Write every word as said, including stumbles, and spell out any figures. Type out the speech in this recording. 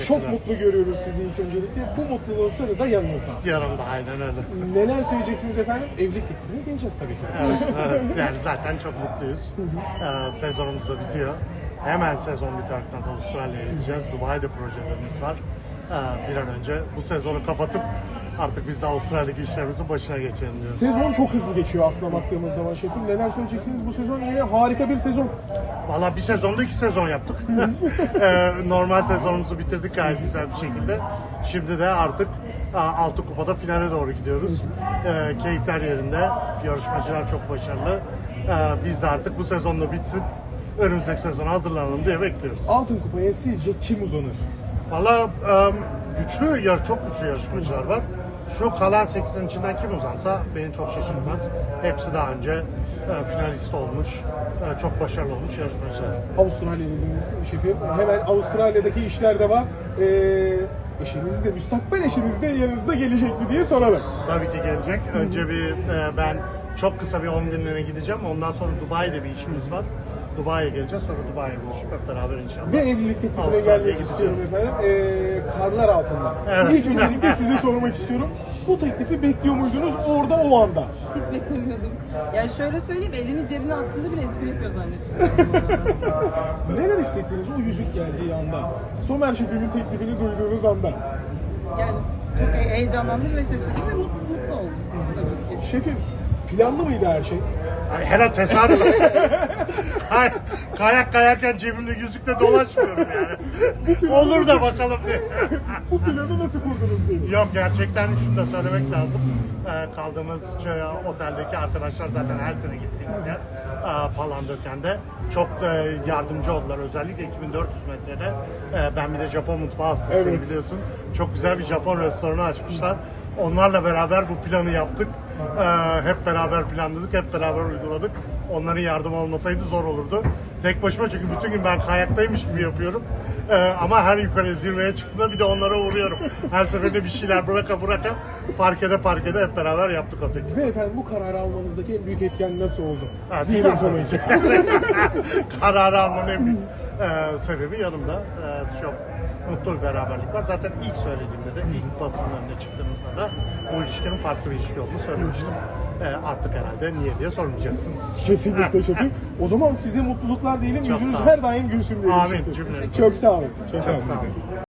Çok mutlu görüyoruz sizi ilk öncelikle. Bu mutluluğun sırrı da yanınızda. Yanımda aynen öyle. Neler söyleyeceksiniz efendim? Evlilik teklifine geleceğiz tabii ki. Evet, evet. Yani zaten çok mutluyuz. Ee, sezonumuz da bitiyor. Hemen sezon biterken Avustralya'ya gideceğiz. Dubai'de projelerimiz var. Ee, bir an önce bu sezonu kapatıp artık biz de Avustralya'daki işlerimizin başına geçelim diyoruz. Sezon çok hızlı geçiyor aslında baktığımız zaman şefim. Neler söyleyeceksiniz? Bu sezon yine harika bir sezon. Valla bir sezonda iki sezon yaptık. ee, normal sezonumuzu bitirdik gayet güzel bir şekilde. Şimdi de artık altı kupada finale doğru gidiyoruz. Ee, keyifler yerinde. Yarışmacılar çok başarılı. Ee, biz de artık bu sezonda bitsin. Önümüzdeki sezona hazırlanalım diye bekliyoruz. Altın kupaya sizce kim uzanır? Valla güçlü, yar çok güçlü yarışmacılar var. Şu kalan sekizin içinden kim uzansa beni çok şaşırtmaz. Hepsi daha önce e, finalist olmuş, e, çok başarılı olmuş yarışmacılar. Avustralya dediğiniz şefim. Hemen Avustralya'daki işler de var. Ee, eşiniz de, müstakbel eşiniz de yanınızda gelecek mi diye soralım. Tabii ki gelecek. Önce bir e, ben çok kısa bir on günlüğüne gideceğim. Ondan sonra Dubai'de bir işimiz var. Dubai'ye geleceğiz. Sonra Dubai'ye buluşup hep beraber inşallah. Ve evlilik teklifine Avustralya'ya gelmek istiyorum gideceğiz. efendim. Ee, karlar altında. Evet. İlk öncelikle size sormak istiyorum. Bu teklifi bekliyor muydunuz orada o anda? Hiç beklemiyordum. Yani şöyle söyleyeyim, elini cebine attığında bile espri yapıyor zannettim. Neler hissettiniz o yüzük geldiği anda? Somer şefimin teklifini duyduğunuz anda. Yani çok he- heyecanlandım ve şaşırdım ve mutlu, mutlu oldum tabii ki. Şefim, planlı mıydı her şey? Ay, herhalde tesadüf. Hayır, kayak kayarken cebimde yüzükle dolaşmıyorum yani. Olur da bakalım diye. Bu planı nasıl kurdunuz diye. Yok, gerçekten şunu da söylemek lazım. Ee, kaldığımız şey, oteldeki arkadaşlar zaten her sene gittiğimiz yer. Ee, Palandöken'de. Çok e, yardımcı oldular. Özellikle iki bin dört yüz metrede. Ee, ben bir de Japon mutfağı hastasıyım, Evet. biliyorsun. Çok güzel bir Japon restoranı açmışlar. Onlarla beraber bu planı yaptık. Ee, hep beraber planladık, hep beraber uyguladık. Onların yardımı olmasaydı zor olurdu. Tek başıma, çünkü bütün gün ben kayaktaymış gibi yapıyorum. Ee, ama her yukarı zirveye çıktığımda bir de onlara uğruyorum. Her seferinde bir şeyler bıraka bıraka parkede parkede hep beraber yaptık o teklifi. Ve efendim bu kararı almanızdaki en büyük etken nasıl oldu? Ha, Diyelim değil mi? sonucu. Kararı almanın en büyük e, sebebi yanımda. E, çok mutlu bir beraberlik var. Zaten ilk söylediğimde de, ilk basının önüne çıktığımızda da bu ilişkinin farklı bir ilişki olduğunu söylemiştim. E, artık herhalde niye diye sormayacaksınız. Kesinlikle şefim. O zaman size mutluluklar diyelim. Çok Yüzünüz sağ olun. her daim gülsün diyelim Amin şefim. cümlemize. Çok sağ olun. Çok, Çok sağ olun.